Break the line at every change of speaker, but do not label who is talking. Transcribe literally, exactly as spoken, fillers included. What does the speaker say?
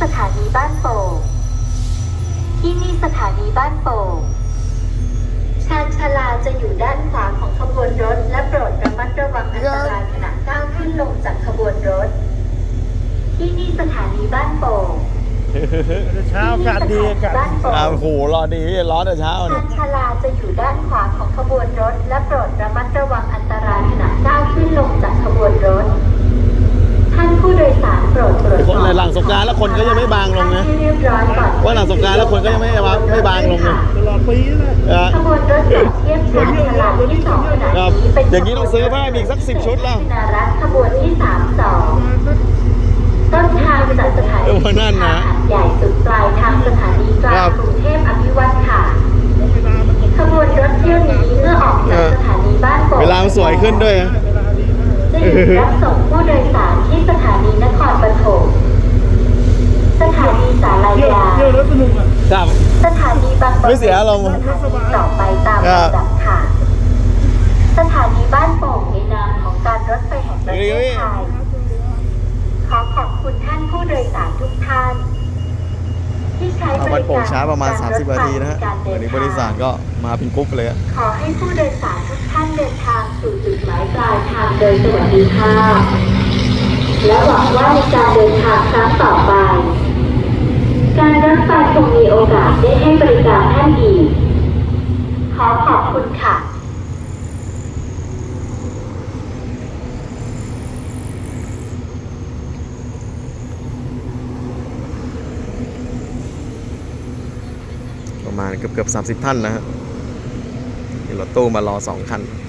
สถานีบ้านโป่งที่นี่สถานีบ้านโป่งชานชาลาจะอยู่ด้านขวาของขบวนรถและโปรดระมัดระวังอันตรายขณะก้าวขึ้นลงจากขบวนรถที่นี่สถานีบ้านโป่ง
เช้าอากาศดีอากาศ
อ้าวโหรอดีร้อนแต่เช้า
ชา
เนี่ย
นชาลาจะอยู่ด้านขวาของขบวนรถและโปรดระมัดระวังอันตรายขณะก้าวขึ้นลงจากขบวนรถท่านผู้โดยสารโปรดตรวจสอบ
หลังสงกรานต์แล้วคนก็ยังไม่บางลงนะ
ให้เรียบร้อยก่อน
ว่าหลังสงกรานต์แล้วคนก็ยังไม่ไม่บางลงนะ
ตลอดปีเลย
ขบวนรถจากเทียบชานชาลาที่สองขณะนี้เป็น
อย่างนี้ต้องซื้อเพิ่มอีกสักสิบชุดแล้ว
นารัตขบวนที่สามสองต้นทางจากสถานี
เออนั่นนะ
หาดใหญ่สุดปลายทางสถานีกลางกรุงเทพอภิวัตรค่ะขบวนรถเที่ยวนี้เมื่อออกจากสถานีบ้านโป่ง
เวลามันสวยขึ้นด้วยนะ
จะหยุดรับส่งผู้โดยสารที่สถานีนครปฐมสถานีสาร
เที่ยวย
า
เที่ยวแล้วสนุกอ่ะ
ครับ
สถานีบางปะ
ไม่เสียอารมณ์
สถานีต่อไปตามลำดับค่ะ สถานีบ้านโป่งในนามของการรถไฟแห่งประเทศไทยขอขอบคุณท่านผู้โดยสารทุกท่านที่ใช้บริการ
วันโป่งช้าประมาณสามสิบนาทีนะฮะ
การเดิ
วัน
น
นี้
ทาง
บริษัทก็มาเป็นกรุ๊ปเลยอะ
ขอให้ผู้โดยสารทุกท่านเดินทางสู่จุดหมายปลายทางโดยสวัสดิภาพและหวังว่าในการเดินทางครั้งต่อไป การรถไฟคงมีโอกาสได้ให้บริการท่านอีกขอขอบคุณค่ะ
ประมาณเกือบเกือบสามสิบท่านนะฮะมีรถตู้มารอสองคัน